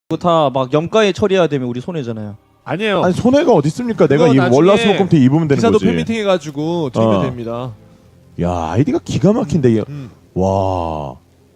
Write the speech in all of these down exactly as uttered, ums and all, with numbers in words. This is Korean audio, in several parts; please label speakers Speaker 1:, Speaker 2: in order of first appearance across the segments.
Speaker 1: 그거 다 막 염가에 처리해야 되면 우리 손해잖아요.
Speaker 2: 아니에요.
Speaker 3: 아니 손해가 어디 있습니까? 내가
Speaker 2: 그거
Speaker 3: 이
Speaker 2: 나중에
Speaker 3: 월화수목금태 입으면 되는
Speaker 2: 기사도
Speaker 3: 거지.
Speaker 2: 팬미팅 해가지고 드리면
Speaker 3: 어.
Speaker 2: 됩니다.
Speaker 3: 야 아이디가 기가 막힌데.
Speaker 2: 음.
Speaker 3: 와.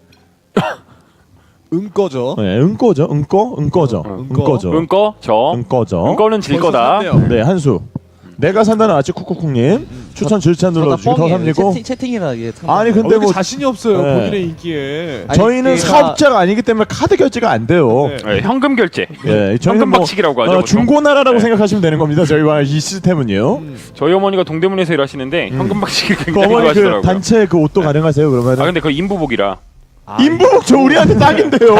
Speaker 2: 은거죠.
Speaker 3: 네, 은거죠. 은거? 은거죠.
Speaker 2: 어, 은거.
Speaker 3: 은거죠.
Speaker 4: 은거 저
Speaker 3: 은거죠.
Speaker 4: 은거는 질
Speaker 2: 벌써
Speaker 4: 거다.
Speaker 2: 샀네요.
Speaker 3: 네 한수. 내가 산다는 아치 쿡쿡쿡님 추천 질찬 눌러주시고 더 삼리고.
Speaker 1: 채팅, 채팅이라 이게 참-
Speaker 3: 아니
Speaker 2: 어,
Speaker 3: 근데
Speaker 2: 근데
Speaker 3: 뭐
Speaker 2: 자신이 없어요.
Speaker 3: 네.
Speaker 2: 본인의 인기에.
Speaker 1: 아니,
Speaker 3: 저희는
Speaker 1: 얘가-
Speaker 3: 사업자가 아니기 때문에 카드 결제가 안 돼요.
Speaker 2: 네.
Speaker 4: 네, 현금 결제.
Speaker 3: 예, 저희는
Speaker 4: 현금
Speaker 3: 뭐
Speaker 4: 박치기라고 하죠.
Speaker 3: 어,
Speaker 4: 보통.
Speaker 3: 중고나라라고
Speaker 4: 네.
Speaker 3: 생각하시면 되는 겁니다. 저희와 이 시스템은요.
Speaker 2: 음.
Speaker 4: 저희 어머니가 동대문에서 일하시는데 현금 박치기
Speaker 3: 그
Speaker 4: 굉장히
Speaker 3: 어머니 그
Speaker 4: 좋아하시더라고요.
Speaker 3: 단체 그 옷도 가능하세요 그러면?
Speaker 4: 아 근데 그 인부복이라.
Speaker 2: 아,
Speaker 3: 인부복 저 우리한테 딱인데요.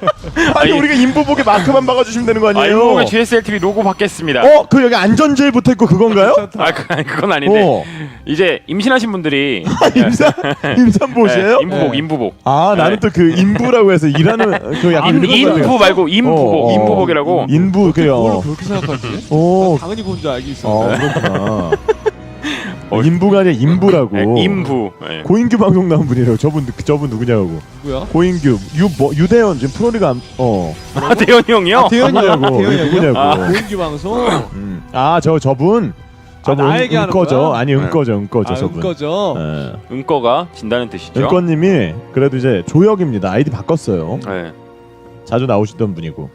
Speaker 3: 아니
Speaker 4: 아니,
Speaker 3: 우리가 인부복에 마크만 박아주시면 되는 거
Speaker 4: 아
Speaker 3: 아니에요?
Speaker 4: 인부복에 지에스엘티비 로고 받겠습니다.
Speaker 3: 어? 그 여기 안전제일 붙어있고 그건가요?
Speaker 4: 아 그, 아니, 그건 아닌데
Speaker 3: 어.
Speaker 4: 이제 임신하신 분들이
Speaker 3: 임산 임산보시에요?
Speaker 4: 네, 인부복
Speaker 2: 네.
Speaker 4: 인부복.
Speaker 3: 아 나는
Speaker 4: 네.
Speaker 3: 또 그 인부라고 해서 일하는 그 약간
Speaker 4: 인,
Speaker 3: 이런 거
Speaker 4: 인부 말고 인부복
Speaker 3: 어, 어.
Speaker 4: 인부복이라고.
Speaker 3: 인부
Speaker 2: 뭘
Speaker 3: 그래요.
Speaker 2: 그렇게 생각하지?
Speaker 3: 오.
Speaker 2: 당연히 그건 줄 알고 있어.
Speaker 3: 어 그렇구나.
Speaker 4: 어.
Speaker 3: 인부가 아니라 인부라고.
Speaker 4: 네, 인부. 네.
Speaker 3: 고인규 방송 나온 분이래요. 저분 누- 저분 누구냐고.
Speaker 2: 누구야?
Speaker 3: 고인규 유 뭐 유대현 지금 프로리가 안- 어
Speaker 4: 아 대현이 형이요?
Speaker 2: 아, 대현이 형.
Speaker 3: 누구냐고.
Speaker 2: 대현이 형이요?
Speaker 3: 누구냐고.
Speaker 4: 아.
Speaker 2: 고인기 방송.
Speaker 3: 음. 아, 저 저분. 저분
Speaker 2: 나 얘기하는
Speaker 3: 은거죠.
Speaker 2: 거야?
Speaker 3: 아니, 은거죠. 은거죠,
Speaker 2: 아,
Speaker 3: 저분.
Speaker 2: 은거죠.
Speaker 3: 예.
Speaker 4: 은거가 진다는 뜻이죠.
Speaker 3: 은거님이 그래도 이제 조혁입니다. 아이디 바꿨어요.
Speaker 4: 네.
Speaker 3: 자주 나오시던 분이고.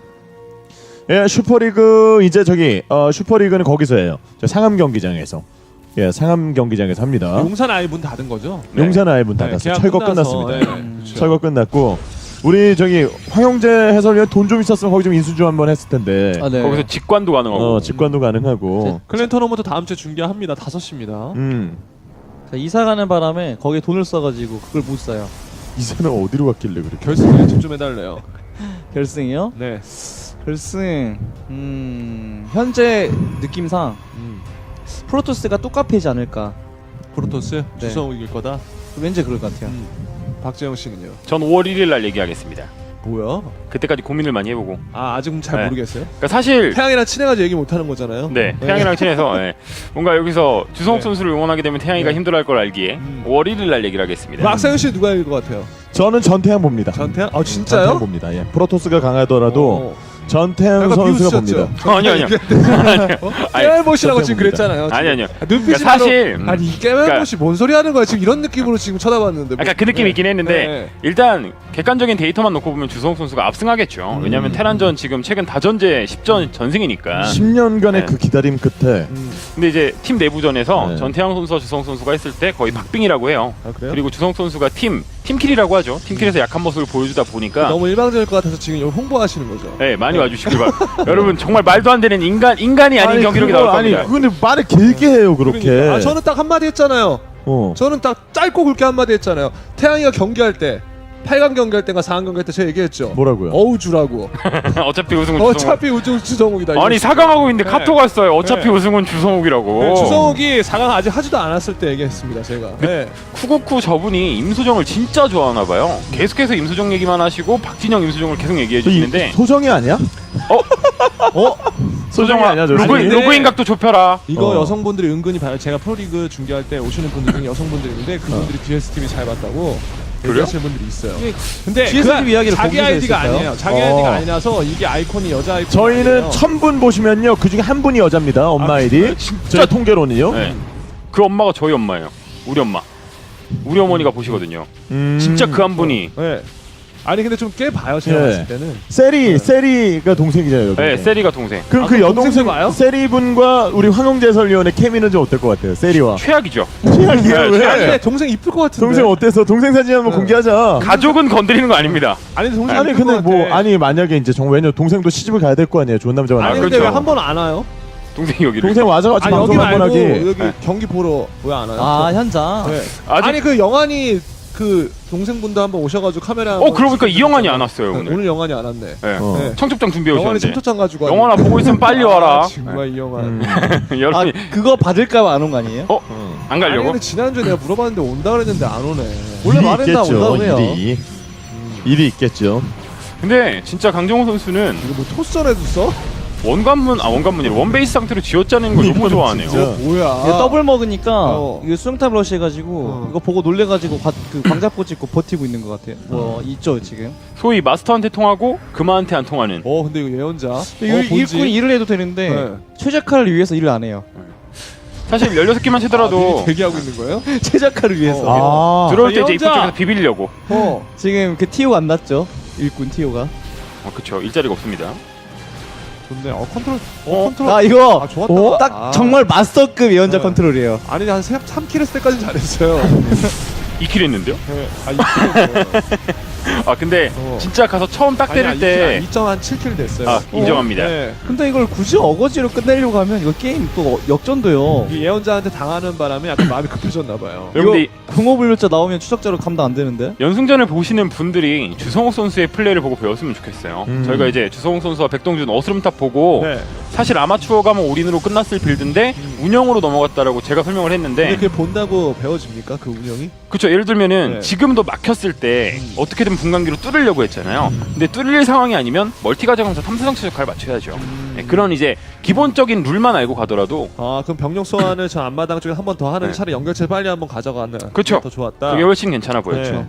Speaker 3: 예, 슈퍼리그 이제 저기 어 슈퍼리그는 거기서 해요. 저 상암 경기장에서. 예, 상암 경기장에서 합니다.
Speaker 2: 용산 아예 문 닫은 거죠?
Speaker 4: 네.
Speaker 3: 용산 아예 문
Speaker 2: 네,
Speaker 3: 닫았어요.
Speaker 2: 계약
Speaker 3: 철거
Speaker 2: 끝나서,
Speaker 3: 끝났습니다.
Speaker 2: 네,
Speaker 1: 음.
Speaker 2: 그렇죠.
Speaker 3: 철거 끝났고 우리 저기 황영재 해설위원 돈 좀 있었으면 거기 좀 인수 좀 한번 했을 텐데.
Speaker 1: 아, 네.
Speaker 4: 거기서 직관도 가능하고.
Speaker 3: 어, 직관도 가능하고.
Speaker 2: 클랜 토너먼트 다음 주에 중계합니다. 다섯 시입니다.
Speaker 3: 음.
Speaker 1: 자, 이사 가는 바람에 거기에 돈을 써가지고 그걸 못 사요.
Speaker 3: 이 사람 어디로 갔길래 그렇게.
Speaker 2: 결승에 집좀 해달래요.
Speaker 1: 결승이요?
Speaker 2: 네.
Speaker 1: 결승. 음 현재 느낌상
Speaker 2: 음.
Speaker 1: 프로토스가 똑같이지 않을까.
Speaker 2: 프로토스
Speaker 1: 네.
Speaker 2: 주성우 이길 거다.
Speaker 1: 왠지 그럴 것 같아요.
Speaker 2: 음. 박재영 씨는요?
Speaker 4: 전 오월 일일 날 얘기하겠습니다.
Speaker 2: 뭐야?
Speaker 4: 그때까지 고민을 많이 해보고.
Speaker 2: 아 아직 잘
Speaker 4: 네.
Speaker 2: 모르겠어요.
Speaker 4: 그러니까 사실
Speaker 2: 태양이랑 친해가지고 얘기 못하는 거잖아요.
Speaker 4: 네 태양이랑 친해서 네. 뭔가 여기서 주성욱
Speaker 2: 네.
Speaker 4: 선수를 응원하게 되면 태양이가
Speaker 2: 네.
Speaker 4: 힘들어할 걸 알기에
Speaker 2: 음.
Speaker 4: 오월 일일 날 얘기를 하겠습니다.
Speaker 2: 박상현 씨 누가 이길 것 같아요?
Speaker 3: 저는 전태양 봅니다.
Speaker 2: 전태양? 아
Speaker 3: 전태양
Speaker 2: 진짜요?
Speaker 3: 봅니다. 예. 프로토스가 강하더라도
Speaker 2: 어.
Speaker 3: 전태양
Speaker 2: 약간
Speaker 3: 선수가
Speaker 2: 비웃으셨죠?
Speaker 3: 봅니다.
Speaker 4: 아니요, 아니요.
Speaker 2: 어?
Speaker 4: 아니,
Speaker 2: 깨알못이라고 지금
Speaker 3: 봅니다.
Speaker 2: 그랬잖아요.
Speaker 4: 아니 아니요.
Speaker 2: 아, 눈빛이
Speaker 4: 그러니까 사실
Speaker 2: 바로, 아니 이 깨알못이 뭔 소리 하는 거야? 지금 이런 느낌으로 지금 쳐다봤는데.
Speaker 4: 약간 그 느낌이 있긴 했는데
Speaker 2: 네.
Speaker 4: 일단 객관적인 데이터만 놓고 보면 주성욱 선수가 압승하겠죠.
Speaker 3: 음.
Speaker 4: 왜냐하면 테란전 지금 최근 다전제 십 전 전승이니까.
Speaker 3: 십 년간의
Speaker 4: 네.
Speaker 3: 그 기다림 끝에
Speaker 2: 음.
Speaker 4: 근데 이제 팀 내부전에서
Speaker 3: 네.
Speaker 4: 전태양 선수와 주성욱 선수가 했을 때 거의 박빙이라고 해요.
Speaker 2: 아 그래요?
Speaker 4: 그리고 주성욱 선수가 팀 팀킬이라고 하죠. 팀킬에서 약한 모습을 보여주다 보니까
Speaker 2: 너무 일방적일 것 같아서 지금 여기 홍보하시는 거죠.
Speaker 4: 네 많이 와주시길 바랍니다. 여러분 정말 말도 안 되는 인간 인간이 아닌 경기력이
Speaker 3: 그거,
Speaker 4: 나올
Speaker 3: 아니
Speaker 4: 겁니다.
Speaker 3: 근데 말을 길게 해요 그렇게.
Speaker 2: 그러니까. 아 저는 딱 한마디 했잖아요.
Speaker 3: 어.
Speaker 2: 저는 딱 짧고 굵게 한마디 했잖아요. 태양이가 경기할 때 팔 강 경기할 때가 사 강 경기할 때 제가 얘기했죠.
Speaker 3: 뭐라고요?
Speaker 2: 어우주라고.
Speaker 4: 어차피 우승은 주성욱.
Speaker 2: 어차피 우승 주성욱이다.
Speaker 4: 아니 사 강 하고 있는데
Speaker 2: 네.
Speaker 4: 카톡 왔어요. 어차피
Speaker 2: 네.
Speaker 4: 우승은 주성욱이라고.
Speaker 2: 네, 주성욱이 사 강 아직 하지도 않았을 때 얘기했습니다. 제가. 네.
Speaker 4: 쿠쿠쿠 저분이 임수정을 진짜 좋아하나 봐요. 계속해서 임수정 얘기만 하시고 박진영 임수정을 계속 얘기해
Speaker 3: 저 이-
Speaker 4: 주시는데
Speaker 3: 소정이 아니야?
Speaker 4: 어?
Speaker 3: 어? 소정이 아니야 저.
Speaker 4: 로그인,
Speaker 2: 근데-
Speaker 4: 로그인 각도 좁혀라.
Speaker 2: 이거
Speaker 3: 어.
Speaker 2: 여성분들이 은근히 봐요. 제가 프로리그 중계할 때 오시는 분들 중에 여성분들인데 그분들이 비에스티비 잘 봤다고
Speaker 4: 그래요?
Speaker 2: 얘기하시는 분들이 있어요.
Speaker 1: 이게
Speaker 2: 근데
Speaker 1: 지에스티비
Speaker 2: 그
Speaker 1: 이야기를
Speaker 2: 자기
Speaker 1: 거기서
Speaker 2: 아이디가
Speaker 1: 했을까요?
Speaker 2: 아니에요. 자기
Speaker 3: 어.
Speaker 2: 아이디가 아니라서 이게 아이콘이 여자 아이콘.
Speaker 3: 저희는 천 분 보시면요 그 중에 한 분이 여자입니다. 엄마
Speaker 2: 아,
Speaker 3: 아이디.
Speaker 4: 진짜-
Speaker 3: 저희 통계로는요.
Speaker 4: 네. 그 엄마가 저희 엄마예요. 우리 엄마. 우리 어머니가 보시거든요.
Speaker 3: 음.
Speaker 4: 진짜 그 한 분이.
Speaker 2: 네. 아니 근데 좀 꽤 봐요. 제가
Speaker 3: 네.
Speaker 2: 봤을 때는.
Speaker 3: 세리 세리가 동생이잖아요. 여기.
Speaker 4: 네, 세리가 동생.
Speaker 3: 그럼
Speaker 2: 아,
Speaker 3: 그
Speaker 2: 그럼
Speaker 3: 여동생
Speaker 2: 동생 와요?
Speaker 3: 세리 분과 우리 황영재 해설위원의 케미는 좀 어떨 것 같아요? 세리와.
Speaker 4: 최악이죠.
Speaker 3: 최악이야
Speaker 4: 네,
Speaker 3: 왜?
Speaker 2: 근데 동생 이쁠 것 같은데.
Speaker 3: 동생 어때서? 동생 사진 한번
Speaker 2: 네.
Speaker 3: 공개하자.
Speaker 4: 가족은 건드리는 거 아닙니다.
Speaker 2: 아니 동생
Speaker 3: 아니
Speaker 2: 이쁠
Speaker 3: 근데
Speaker 2: 것
Speaker 3: 뭐
Speaker 2: 같아.
Speaker 3: 아니 만약에 이제 정 왜냐 동생도 시집을 가야 될 거 아니에요. 좋은 남자가
Speaker 2: 아니
Speaker 3: 나와.
Speaker 2: 근데
Speaker 4: 그렇죠.
Speaker 2: 왜 한 번 안 와요?
Speaker 4: 동생이 여기를.
Speaker 3: 동생 와서 같이
Speaker 2: 아니 여기
Speaker 3: 방송 한번
Speaker 2: 말고
Speaker 3: 하기.
Speaker 2: 여기
Speaker 4: 네.
Speaker 2: 경기 보러 왜 안 와요?
Speaker 1: 아 현장.
Speaker 2: 네.
Speaker 4: 아직-
Speaker 2: 아니 그 영환이 그 동생분도 한번 오셔가지고 카메라.
Speaker 4: 어, 그러고 보니까 이 영환이 안 왔어요,
Speaker 2: 네,
Speaker 4: 오늘.
Speaker 2: 오늘 영환이 안 왔네.
Speaker 4: 네.
Speaker 3: 어.
Speaker 2: 네.
Speaker 4: 청첩장 준비해
Speaker 2: 영환이
Speaker 4: 오셨는데.
Speaker 2: 청첩장 가지고.
Speaker 4: 영환아 보고 있으면 빨리 와라.
Speaker 2: 아, 정말 이 영환.
Speaker 3: 음.
Speaker 1: 아
Speaker 4: 여러분이
Speaker 1: 그거 받을까봐 안 온 거 아니에요?
Speaker 4: 어?
Speaker 3: 음.
Speaker 4: 안
Speaker 2: 아니
Speaker 4: 가려고?
Speaker 2: 근데 지난주에 내가 물어봤는데 온다 그랬는데 안 오네.
Speaker 1: 원래
Speaker 3: 일이
Speaker 1: 말했나
Speaker 3: 있겠죠,
Speaker 1: 온다고 해요.
Speaker 3: 일이. 일이 있겠죠.
Speaker 4: 근데 진짜 강정호 선수는
Speaker 2: 이거 뭐 토스전에도 써?
Speaker 4: 원관문 아 원관문이 원베이스 상태로 쥐어짜는 걸 너무 좋아하네요.
Speaker 3: 진짜.
Speaker 2: 뭐야?
Speaker 1: 이게 더블 먹으니까
Speaker 2: 어.
Speaker 1: 이거 수영탑 러시 해가지고
Speaker 2: 어.
Speaker 1: 이거 보고 놀래가지고 과, 그 광자포 찍고 버티고 있는 것 같아요. 뭐 있죠 지금.
Speaker 4: 소위 마스터한테 통하고 금화한테 안 통하는.
Speaker 2: 어 근데 이거 예언자. 어,
Speaker 1: 일,
Speaker 2: 본지.
Speaker 1: 일꾼이 일을 해도 되는데
Speaker 2: 네.
Speaker 1: 최적화를 위해서 일을 안 해요.
Speaker 4: 사실 열여섯 개만
Speaker 2: 아,
Speaker 4: 채더라도
Speaker 2: 미리 대기하고 있는 거예요?
Speaker 1: 최적화를 위해서.
Speaker 3: 아,
Speaker 4: 들어올 때 이제 입구
Speaker 2: 예언자!
Speaker 4: 쪽에서 비비려고.
Speaker 2: 어.
Speaker 1: 지금 그 티오가 안 났죠. 일꾼 티오가.
Speaker 4: 어, 그쵸. 일자리가 없습니다.
Speaker 2: 좋네. 어 컨트롤. 어,
Speaker 4: 어?
Speaker 2: 컨트롤.
Speaker 1: 아 이거
Speaker 2: 아 좋았다.
Speaker 1: 어? 딱
Speaker 2: 아.
Speaker 1: 정말 마스터급 예언자
Speaker 2: 네.
Speaker 1: 컨트롤이에요.
Speaker 2: 아니 한 삼 킬 했을 때까지 잘했어요.
Speaker 4: 이 킬 했는데요?
Speaker 2: 네. 아 이 킬.
Speaker 4: 아 근데
Speaker 2: 어.
Speaker 4: 진짜 가서 처음 딱 때릴 때
Speaker 2: 이 점 한 칠 킬 됐어요.
Speaker 4: 아, 인정합니다.
Speaker 2: 네.
Speaker 1: 근데 이걸 굳이 어거지로 끝내려고 하면 이거 게임 또 역전돼요.
Speaker 2: 이 예언자한테 당하는 바람에 약간 마음이 급해졌나 봐요.
Speaker 4: 여러분들
Speaker 1: 공허불멸자 나오면 추적자로 감당 안 되는데.
Speaker 4: 연승전을 보시는 분들이 주성욱 선수의 플레이를 보고 배웠으면 좋겠어요.
Speaker 3: 음.
Speaker 4: 저희가 이제 주성욱 선수와 백동준 어스름탑 보고
Speaker 2: 네.
Speaker 4: 사실 아마추어 가면 올인으로 끝났을 빌드인데 운영으로 넘어갔다라고 제가 설명을
Speaker 2: 근데
Speaker 4: 했는데
Speaker 2: 그게 본다고 배워집니까 그 운영이?
Speaker 4: 그쵸. 예를 들면은
Speaker 2: 네.
Speaker 4: 지금도 막혔을 때
Speaker 2: 음.
Speaker 4: 어떻게든 분광기로 뚫으려고 했잖아요. 근데 뚫릴 상황이 아니면 멀티가자면서 탐사장 최적화를 맞춰야죠.
Speaker 2: 음.
Speaker 4: 네, 그런 이제 기본적인 룰만 알고 가더라도
Speaker 2: 아 그럼 병력 소환을 저 앞마당 쪽에 한 번 더 하는
Speaker 4: 네.
Speaker 2: 차라리 연결체 빨리 한번 가져가는
Speaker 4: 그쵸.
Speaker 2: 더 좋았다.
Speaker 4: 그게 훨씬 괜찮아 보였죠.
Speaker 2: 네.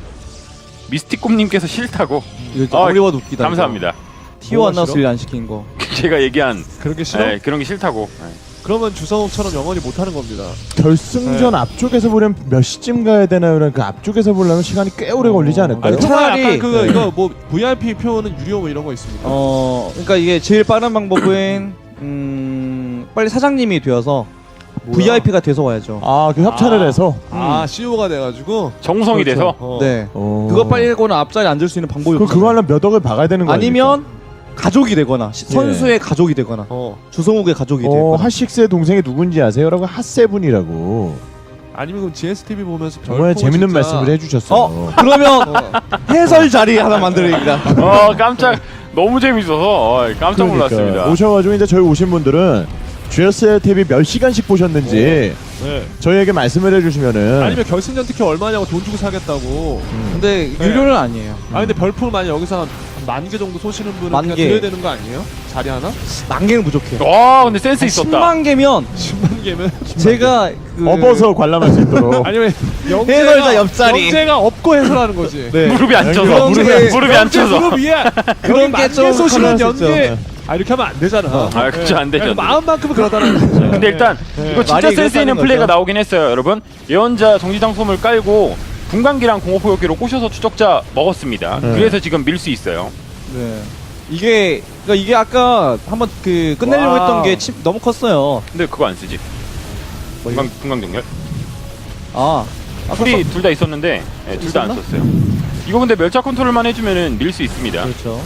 Speaker 4: 미스틱곰님께서 싫다고.
Speaker 1: 이거
Speaker 4: 아,
Speaker 1: 아무리 봐도 웃기다.
Speaker 4: 감사합니다.
Speaker 1: 티오 안
Speaker 2: 뭐가
Speaker 1: 나와서
Speaker 2: 싫어?
Speaker 1: 일 안 시킨 거.
Speaker 4: 제가 얘기한
Speaker 2: 그런 게 싫어?
Speaker 4: 네, 그런 게 싫다고. 네.
Speaker 2: 그러면 주성욱처럼 영원히 못하는 겁니다.
Speaker 3: 결승전
Speaker 2: 네.
Speaker 3: 앞쪽에서 보려면 몇 시쯤 가야 되나요? 그 앞쪽에서 보려면 시간이 꽤 오래 걸리지 않을까요?
Speaker 2: 아니
Speaker 1: 차라리-
Speaker 2: 차라리 그
Speaker 1: 네.
Speaker 2: 이거 뭐 브이아이피 표는 유료 뭐 이런 거 있습니까?
Speaker 1: 어, 그러니까 이게 제일 빠른 방법은 음, 빨리 사장님이 되어서
Speaker 2: 뭐야?
Speaker 1: 브이아이피가 돼서 와야죠.
Speaker 3: 아, 그 협찬을
Speaker 2: 아.
Speaker 3: 해서.
Speaker 2: 아 씨이오가 돼가지고
Speaker 4: 정성이
Speaker 1: 그렇죠.
Speaker 4: 돼서
Speaker 2: 어.
Speaker 1: 네.
Speaker 3: 어.
Speaker 1: 그거 빨리 하고는 앞자리 앉을 수 있는 방법이
Speaker 3: 그럼
Speaker 1: 없어요.
Speaker 3: 그거 하려면 몇 억을 박아야 되는 거
Speaker 1: 아니면 가족이 되거나 시-
Speaker 3: 예.
Speaker 1: 선수의 가족이 되거나
Speaker 2: 어
Speaker 1: 주성욱의 가족이
Speaker 3: 어,
Speaker 1: 되거나.
Speaker 3: 핫식스의 동생이 누군지 아세요?라고 핫세븐이라고
Speaker 2: 아니면 그럼 지에스티비 보면서
Speaker 3: 정말
Speaker 2: 별풍을
Speaker 3: 재밌는
Speaker 2: 진짜-
Speaker 3: 말씀을 해주셨어요.
Speaker 1: 어 그러면
Speaker 2: 어.
Speaker 1: 해설 자리 하나 만들어야겠다.
Speaker 4: 어 깜짝 너무 재밌어서 어, 깜짝
Speaker 3: 그러니까
Speaker 4: 놀랐습니다.
Speaker 3: 오셔가지고 이제 저희 오신 분들은 지에스의 티비 몇 시간씩 보셨는지
Speaker 2: 네.
Speaker 3: 저희에게 말씀을 해주시면은
Speaker 2: 아니면 결승전 티켓 얼마냐고 돈 주고 사겠다고.
Speaker 1: 근데
Speaker 2: 네.
Speaker 1: 유료는 아니에요.
Speaker 2: 아 근데 별풍을 만약 여기서 한 만 개 정도 쏘시는 분은
Speaker 1: 만
Speaker 2: 그냥
Speaker 1: 개.
Speaker 2: 드려야 되는 거 아니에요? 자리 하나?
Speaker 1: 만 개는 부족해요.
Speaker 4: 와 근데 센스 있었다.
Speaker 1: 십만 개면
Speaker 2: 십만 개면
Speaker 1: 제가 그
Speaker 3: 업어서 관람할 수 있도록.
Speaker 2: 아니면
Speaker 1: 해설자 옆자리.
Speaker 2: 영재가 없고 해설하는 거지.
Speaker 1: 네.
Speaker 4: 무릎이 앉혀서
Speaker 1: 그런
Speaker 4: 무릎이,
Speaker 1: 게-
Speaker 4: 무릎이
Speaker 2: 연재
Speaker 4: 앉혀서.
Speaker 2: 무릎 위에
Speaker 1: 그런
Speaker 2: 여기
Speaker 1: 게
Speaker 2: 만개
Speaker 1: 좀
Speaker 2: 쏘시면
Speaker 1: 가능할 수
Speaker 2: 연계.
Speaker 1: 있죠.
Speaker 2: 아 이렇게 하면 안 되잖아.
Speaker 4: 아, 그쵸, 안 되죠, 안 되죠.
Speaker 2: 마음만큼은 그렇다는 거죠.
Speaker 4: 근데 일단
Speaker 2: 네.
Speaker 4: 이거 진짜
Speaker 1: 말이
Speaker 4: 센스 있는
Speaker 1: 그렇다는
Speaker 4: 플레이가
Speaker 1: 거죠.
Speaker 4: 나오긴 했어요, 여러분. 예언자 정지장 솜을 깔고 분광기랑 공업포격기로 꼬셔서 추적자 먹었습니다.
Speaker 3: 네.
Speaker 4: 그래서 지금 밀 수 있어요.
Speaker 1: 네. 이게 그러니까 이게 아까 한번 그 끝내려고
Speaker 2: 와우.
Speaker 1: 했던 게 침, 너무 컸어요.
Speaker 4: 근데 그거 안 쓰지. 분광 분광 정렬.
Speaker 1: 아, 아까
Speaker 4: 풀이 둘 다 있었는데 둘 다 안
Speaker 1: 있었나?
Speaker 4: 썼어요. 이거 근데 멸차 컨트롤만 해주면은 밀 수 있습니다.
Speaker 1: 그렇죠.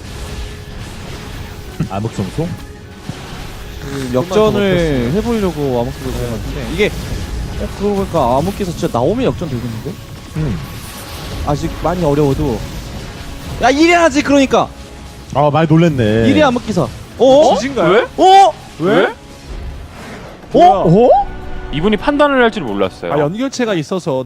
Speaker 3: 암흑성소?
Speaker 1: 그 역전을 해보려고 암흑기를 그런 것 같은데 이게 어, 그러고 보니까 암흑기에서 진짜 나오면 역전 되겠는데?
Speaker 3: 음.
Speaker 1: 아직 많이 어려워도 야 이래 하지 그러니까
Speaker 3: 아, 많이 놀랬네.
Speaker 1: 이래 암흑기사. 어?
Speaker 2: 지진가요?
Speaker 4: 왜?
Speaker 1: 어?
Speaker 4: 왜?
Speaker 1: 어?
Speaker 3: 어?
Speaker 4: 이분이 판단을 할 줄 몰랐어요.
Speaker 2: 아 연결체가 있어서